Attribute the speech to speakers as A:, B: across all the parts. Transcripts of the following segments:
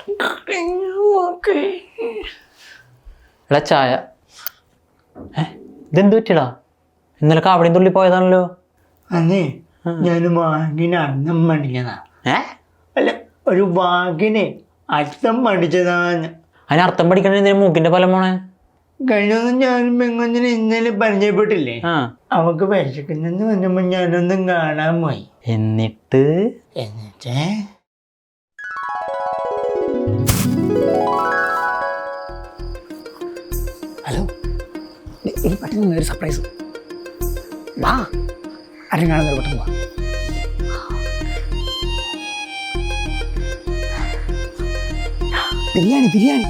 A: എടാ ചായ. ഇതെന്ത് പറ്റിയടാ? ഇന്നലെ കാവടിയും തുള്ളി പോയതാണല്ലോ.
B: അന്നേ ഞാൻ വാങ്ങിന് അർത്ഥം പഠിച്ചതാ. അല്ല, ഒരു വാക്കിന് അർത്ഥം പഠിച്ചതാന്ന്.
A: അതിന് അർത്ഥം പഠിക്കണ മൂക്കിന്റെ ഫലം പോണേ.
B: കഴിഞ്ഞൊന്നും ഞാനും പെങ്ങൊന്നിനെ ഇന്നലെ പരിചയപ്പെട്ടില്ലേ? അവക്ക് വിശക്കുന്നെന്ന് പറഞ്ഞപ്പോ ഞാനൊന്നും കാണാൻ പോയി.
A: എന്നിട്ട്
C: ഹലോ, ഇനി പെട്ടെന്ന് ഒരു സർപ്രൈസ്. വാ, ആരും കാണുന്നൊരു പെട്ടെന്ന് വാ. ബിരിയാണി ബിരിയാണി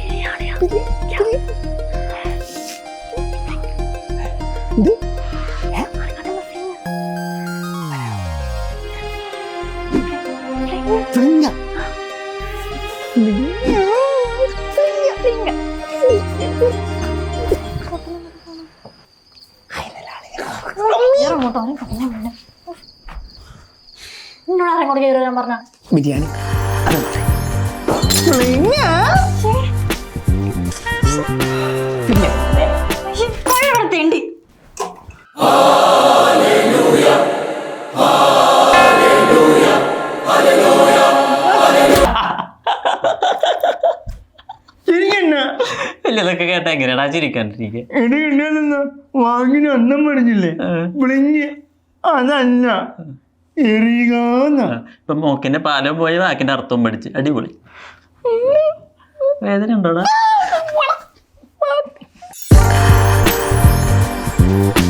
C: ഇത് ബിരിയാണി
A: ഇതൊക്കെ കേട്ടാ എങ്ങനെയാടാ ചിരിക്കാണ്ടിരിക്കുക?
B: വാങ്ങിന് ഒന്നും പഠിച്ചില്ലേ? വിളിഞ്ഞ് അതല്ല എറിയുക.
A: ഇപ്പൊ മോക്കിന്റെ പാലം പോയി വാക്കിന്റെ അർത്ഥവും പഠിച്ച് അടിപൊളി. വേദന ഉണ്ടോടാ?